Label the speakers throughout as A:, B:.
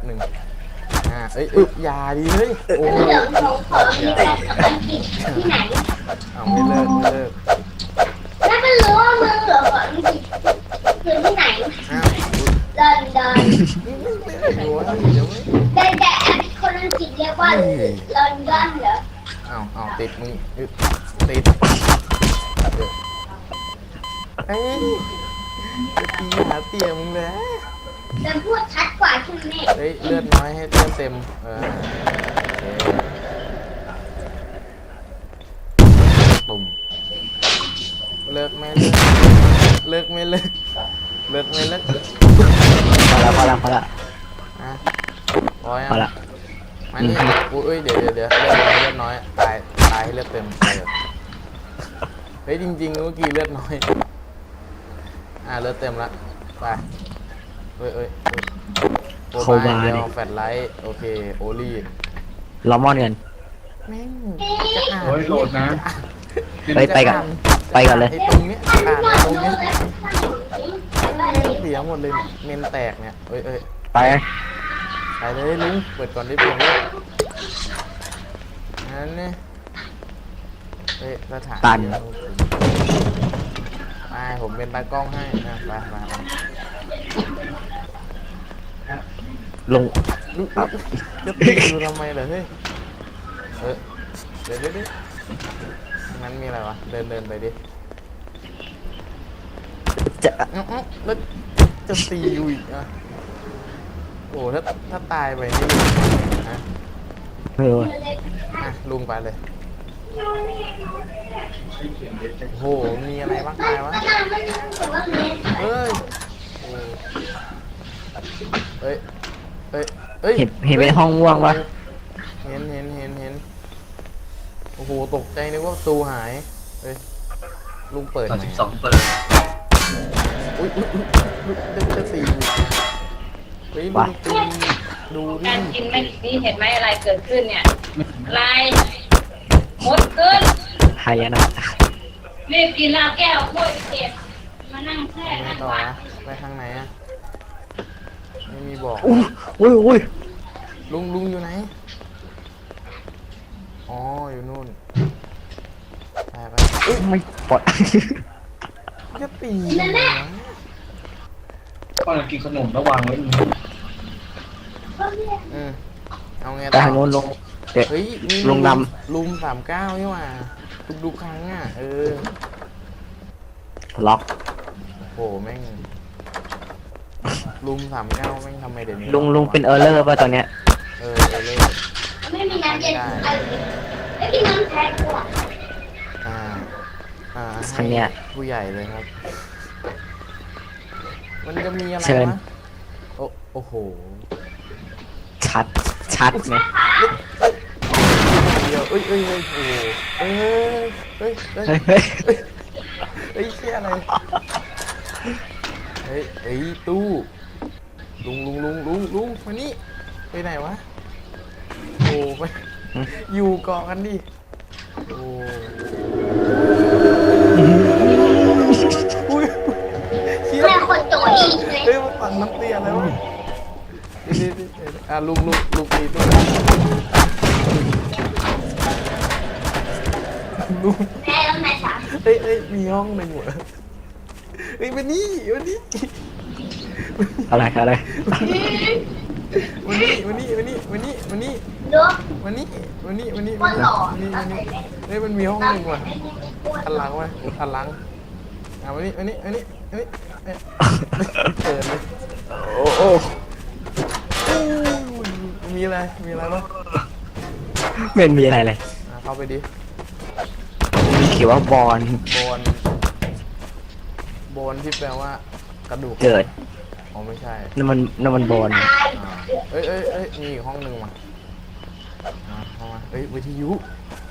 A: หนึ่งเอ้ยอย่าดิเฮ้ยโอ้โห
B: เดี๋ยวหนูขอมีแฟนกับอังกฤษที่ไหน
A: เอาไม่เลิก
B: แล้วมันรู้ว่ามึงเหรออังกฤษคือที่ไหน
A: อ้าว
B: ลอนดอน
A: โอ้ยเดี๋ยว
B: แต่คนอังกฤษเรียกว่าลอนดอนเหรอ
A: เอาติดมึงติดเอ้ยตีหาเตี่ยมึงเลย
B: จะพูดชัดกว่าใช่ไหม
A: เฮ้ยเลือดน้อยให้เลือดเต็มตุ่มเลิกไม่เลิกเลิกไม่เลิกเลิกไม่เลิก
C: พอละ
A: พอละมานี่อุ้ยเดี๋ยวเลือดน้อยตายให้เลือดเต็มเฮ้ยจริงๆเมื่อกี้เลือดน้อยเลือดเต็มละไปเอ้ยโคบาเดียวแฟลชไลท์โอเคโอลี่
C: ล้อมอนกัน
A: แม่ง
D: โอ้ยโหลดนะ
C: ไปก่อนเลย
A: ตรงนี้ตรงนี้เสียหมดเลยเมนแตกเนี่ยเอ้ย
C: ไป
A: เลยลุงเปิดก่อนได้เพียงเลยนั่นเนี่ยสถาน
C: ตัน
A: ผมเป็นตากล้องให้ไป
C: ลง
A: จะตีดูทำไมเหรอเฮ้ยเดี๋ยวงั้นมีอะไรวะเดินไปดิแล้วจะตีอยู่อีกโอ้ถ้าตายไปนี่
C: ไม่รู้
A: ลุงไปเลยโหมีอะไรบ้างตายวะเฮ้ย
C: เห็นเป็นห้องว่างวะ
A: เห็นโอ้โหตกใจนึกว่าประตูหายลุงเปิด
D: 12เปิด
A: อุ้ยจะตีเฮ้ยลุงตีดูดิ
E: การกินไม่ดีเห็นไหมอะไรเกิดขึ้นเนี่ยอะไรหมดขึ้น
C: หายนะ
E: รีบกินแล้วแก้วกล้วยเก็บมานั่งแช่นั่ง
A: ต่อ
E: วัด
A: ไปทางไหนไม่มีบอก
C: อุ้ย
A: ลุงอยู่ไหนอ๋ออยู่นู่นไป
C: ไม่ปลด
A: จะตี
D: ก็กินขนมระวังไว้
A: เอาไง
C: ต่ทางโน้นลง
A: เฮ้ย
C: ลงน
A: ำลุม39นี่หว่าทุกครั้ง
C: ล็อก
A: โหแม่งลุม39แม่งทำไมเดี๋ยวนี้
C: ลุงเป็นเออร์เลอร์ป่ะตอนเนี้ย
A: เออเลย
B: ไม่มีน้ำเย็นไม่มีน้ำแข็งกว่า
C: ครั้งเนี้ย
A: ผู้ใหญ่เลยครับมันจะมีอะไรวะโอ้โห
C: ชัดไหม
A: เดี๋ยวเอ้ยโอ้โหเชี่ยอะไรตู้ลุงมานี่ไปไหนวะโอ้ไปอยู่เกาะกันดิโอ้เชี่ย
B: คนตัวอีกเลย
A: มาปั่นน้ำเตี้ยแล้วลุงตีตัวลุง
B: แม่แล้วแม่สาม
A: มีห้องหนึ่งเหรอวันนี้
C: อะไร
A: วันนี้มันมีห้องหนึ่งว่ะอันหลังวันนี้เปิดเลย
C: โอ้
A: มีอะไรบ้าง
C: ไม่มีอะไรเลย
A: เข้าไปดิ
C: มีเขียนว่าบอล
A: ที่แปลว่ากระดูก
C: เกิด
A: ไม่ใช่
C: นั่นมันบอล
A: มีอีกห้องหนึ่งมาเข้ามาวิทยุ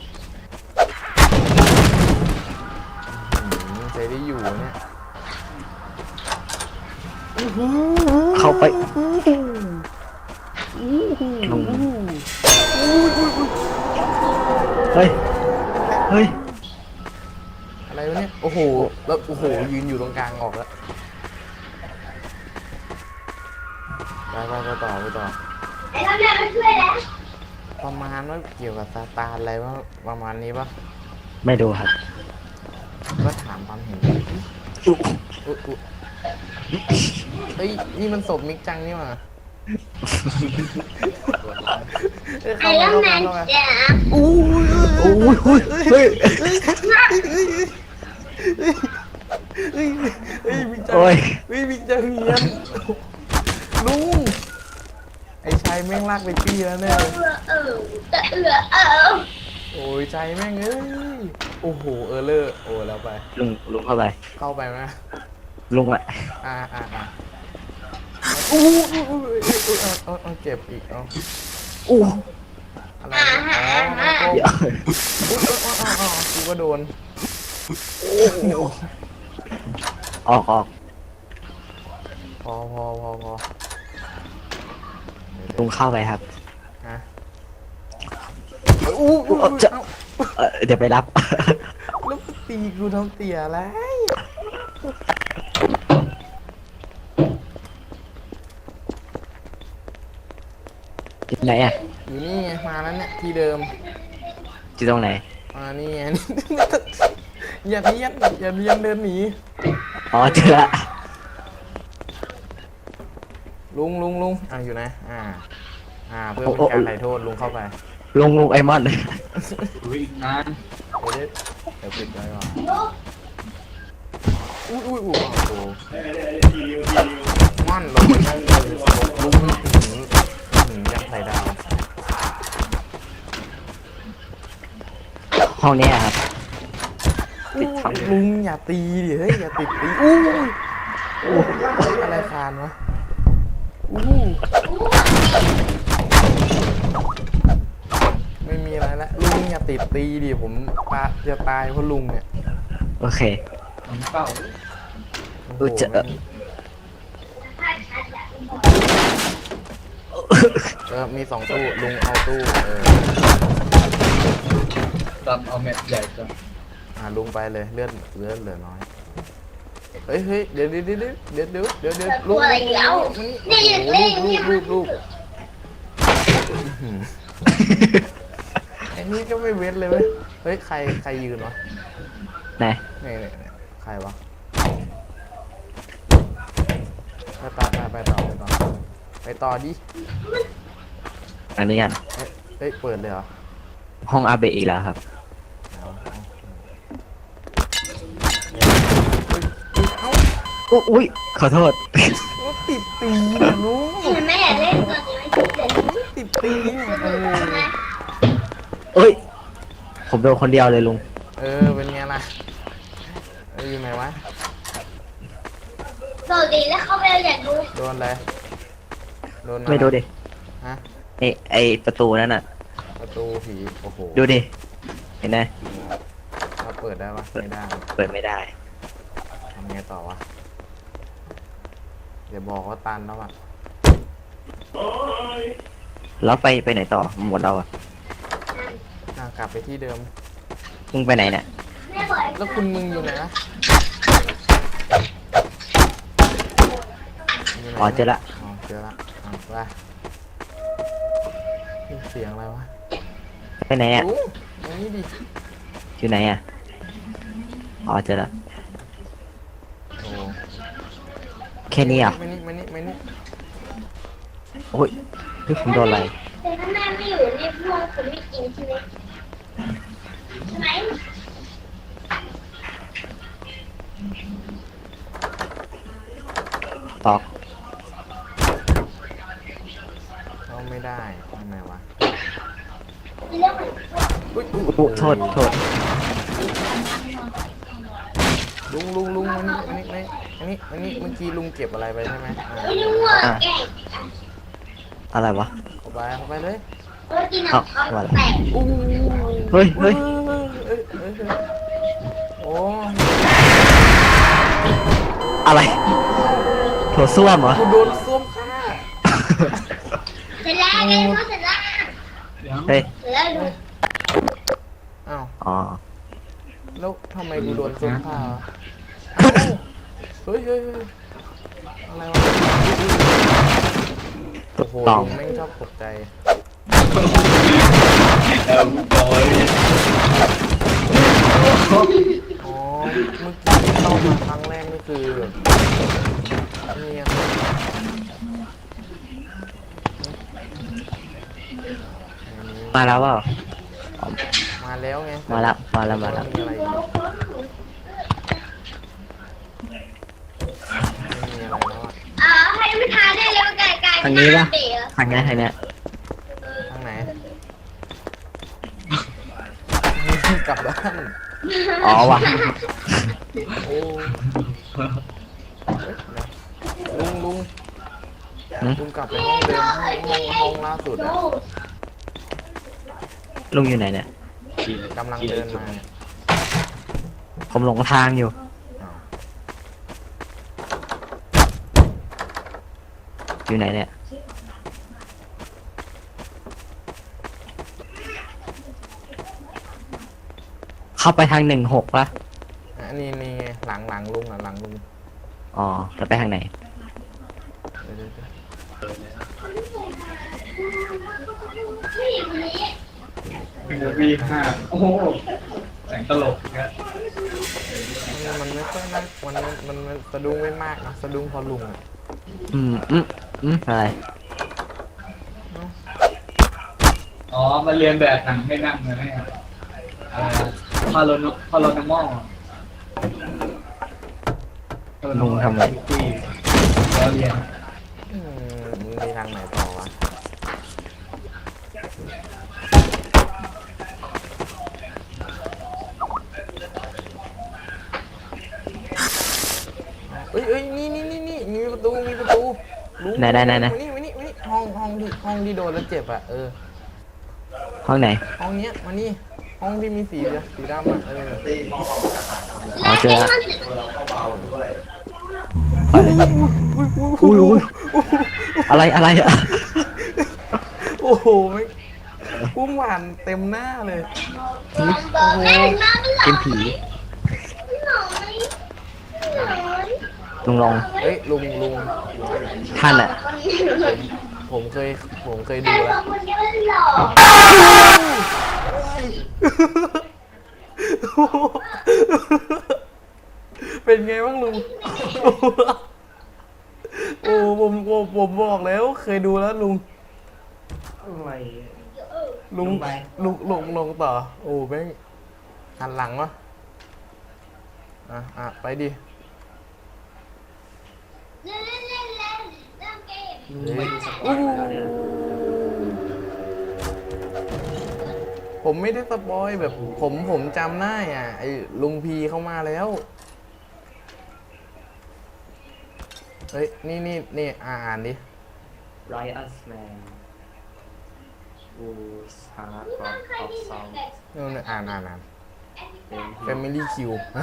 A: ใช้ได้อยู่เนี่ย
C: เข้าไปเฮ้ย
A: อะไรวะเนี่ยโอ้โหแล้วโอ้โหยืนอยู่ตรงกลางออกแล้วไปต่อ
B: แล้วแม่มาช่วยแล้ว
A: ประมาณว่าเกี่ยวกับซาตานอะไรว่าประมาณนี้ปะ
C: ไม่ดูครับ
A: ก็ถามความเห็นอุ๊ยเฮ้ยนี่มันศพมิกจังนี่หว่าเอ้ย
B: ไอ้
A: เข้า
B: แล้
A: มาว เข้า
B: แม่
A: มาเข้ามา
B: จ๋า
A: อู้ย
C: โอ้ยเฮ้ย
A: เฮ้ยมิกจัง
C: โอ้ย
A: เฮ้ยมิกจังเนียนลุงไอ้ชายแม่งลากไปปี้แล้วเนี่ย
B: เออ
A: โอ้ยใจแม่งเอ้ยโอ้โหเลอร์โอ้แล้วไป
C: ลุงเข้าไป
A: เข้าไปไหม
C: ลุงอะ
A: อู้เอาเก็บอีกเอา
C: อู้
A: อะไรอ๋อมันโกง
C: เดี๋ยว
A: กูก็โดน
C: ออก
A: พอ
C: ลุงเข้าไปครับ
A: ฮะ
C: จะ เดี๋ยวไปรับ
A: แล้วตีกูทำเตี่ยอะไร
C: ที่ไหนอะ
A: อยู่นี่ไงมาแล้วเนี่ยที่เดิม
C: ที่ตรงไหน
A: นี่ไง อย่าเนียนเดินหนี
C: อ๋อเจอละ
A: ลุงอยู่ไหนเพื่อเป็นการไถ่โทษลุงเข้าไป
C: ลุงไอมอน
D: อุ้ยอีกนาน
A: เดี๋ยวปิดไว้ก่อนอุ้ยโอ้โหมันลงไปนั่งเลยลุงยัดใส่ดาว
C: ห้องเนี้ยครับ ปิดช่อง
A: ลุงอย่าตีดิเฮ้ยอย่าติดตีอู้อะไรคานวะไม่มีอะไรละลุงอย่าติดตีดิผมจะตายเพราะลุงเนี่ย
C: โอเค
D: น้ำเปล่า
A: มี2 ตู้ลุงเอาตู้
D: ดำเอาแมปใหญ่จัง
A: ลุงไปเลยเลือดเหลือน้อยเฮ้ยเดี๋ยวลุง
B: อะไรแล้วนี่เล่นนี่
A: ลูกไอ้นี่ก็ไม่เว้นเลยเว้ยเฮ้ยใครยืนวะ
C: ไหน
A: นี่ใครวะไปต่อดิ
C: อันนี้กัน
A: เฮ้ยเปิดเลยเหรอ
C: ห้องอาเบะอีกแล้วครับ อุ้ยขอโทษ
A: ติดตีนะลุง
B: แม่อยากเล่นตัวนี้ไม่คิดเลย
A: ติดตีเนี่ย
C: เอ้ย ผมโดนคนเดียวเลยลุง
A: เป็นไงล่ะอยู่ไหนวะ
B: สวัสดีแล้วเขาไปอยากดู
A: โดนอะไรโดนอะไร
C: ไม่ดูดิ
A: ฮะ
C: ไอประตูนั่นน่ะ
A: ประตูผีโอ้โห
C: ดูดิ เห็นไหม
A: เราเปิดได้ปะไม่ได้
C: เปิดไม่ได้
A: ทำไงต่อวะเดี๋ยวบอกว่าตันแล้วอ่ะ
C: แล้วไปไหนต่อหมดเราอะ
A: กลับไปที่เดิม
C: มึงไปไหนเนี่ย
B: แม่บอก
A: แล้วคุณมึงอยู่ไหนนะยู่ไหน
C: อ๋อเจอละ
A: เจอละว่าเสียงอะไรวะ
C: ไปไหนอะ
A: ลุงตรงนี้ดิ
C: อยู่ไหนอะอ๋อเจอละ
A: โอ้
C: แค่นี้อ่ะ
A: มานี่
C: โอ้ยพี่ผมโดนอะไร
B: แต่ถ้าแม่ไม่อยู่นี่พวกคุณไม่กินใช่ไหมใช่ไหม
C: ตอก
A: เข้าไม่ได้ทำไมวะ
B: เรื่องมัน
A: อุ๊ย
C: โอ้โทษ
A: ลุงมานี่อันนี้เมื่อกี้ลุงเก็บอะไรไปใช่ไหม
B: ไม่รู้ว่าแก่
C: อะไรวะ
A: เข้าไปเลย
B: กินของเขาแตก
A: อู้
C: เฮ้ย
A: เอ้ยโอ้
C: อะไรโถส้วมเหรอ
A: กูโดนส้วมฆ่า
B: เสร็จแล้วไงเขาเสร็จแล้ว
C: เฮ้ย
B: เสร็จแล้วดู
A: อ้าว
C: อ๋อ
A: แล้วทำไมกูโดนส้วมฆ่าวะเฮ้ยอะไรวะโอ้โห
C: ต้อง
A: ลุงแม่งชอบตกใจ
D: เออโดย
A: อ๋อ เมื่อกี้ที่เข้ามาครั้งแรกนี่คือนี่ไง
C: มาแล้วเปล่า
A: มาแล้วไง
C: มาแล้วมาแล้ว
A: มีอะไรอีกไม่มีอะไรแล้วอะ
B: ให้ไม่ทานได้เร็วไก่ไก่
C: ทางนี้ปะ
B: เต๋อ
C: ทางนี้ทางเนี้ย
A: ทางไหน กลับบ้าน
C: อ๋อว่ะ
A: โอ้เฮ้ยลุง
C: หืม
A: ลุงกลับไปห้องเดิมห้องล่าสุดอะ
C: ลุงอยู่ไหนเนี่ย
A: กำลังเดินมาเนี่ย
C: ผมหลงทางอยู่
A: อ้าว
C: อยู่ไหนเนี่ย เข้าไปทาง16ปะ
A: อันนี้นี่ไงหลังลุงอ่ะหลังลุง
C: อ๋อจะไปทางไหน
A: เดี๋ยว
D: วีห้าโอ้โหแสงตลกนะ
A: มันไม่ค่อยน่ามันสะดุ้งไม่มากนะสะดุ้งเพอลุงอ่ะ
C: อะไร
D: อ๋อมาเรียนแบบหนังให้นั่งเลยเนี่ยอะไรพาโลนามอล
C: ลุงทำไง
D: แล้วเรียน
A: มึงมีทางไหนต่อวะเอ้ยนี่มีประตูลุง
C: ไหน
A: มานี่ห้องที่โดนแล้วเจ็บอ่ะ
C: ห้องไหน
A: ห้องเนี้ยมานี่ห้องที่มีสีดำอ่ะ
C: อ๋อเจอละ อะไรอะ
A: โอ้โหไม่พุ่งหวานเต็มหน้าเลย
B: บอกแม่น้ำหล
C: เป็นผี ลุงลอง
A: เอ้ยลุง
C: ท่านอะ
A: ผมเคยดูแล้ว
B: คนนี้มันหล่อ
A: เป็นไงบ้างลุง โอ้ผมบอกแล้วเคยดูแล้วลุงลงต่อ โอ้แม่งหันหลังวะไปดิ
B: เล่นเล่นเกม
A: ผมไม่ได้สปอยแบบผมจำได้อ่ะไอ้ลุงพีเข้ามาแล้ว เฮ้ยนี่อ่านดิ
F: Riot's man whose heart of song
A: นี่อ่าน Family Q ฮะ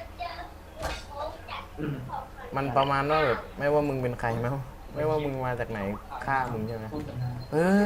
A: มันประมาณว่าแบบไม่ว่ามึงเป็นใครไม่ว่ามึงมาจากไหนฆ่ามึงใช่ไหม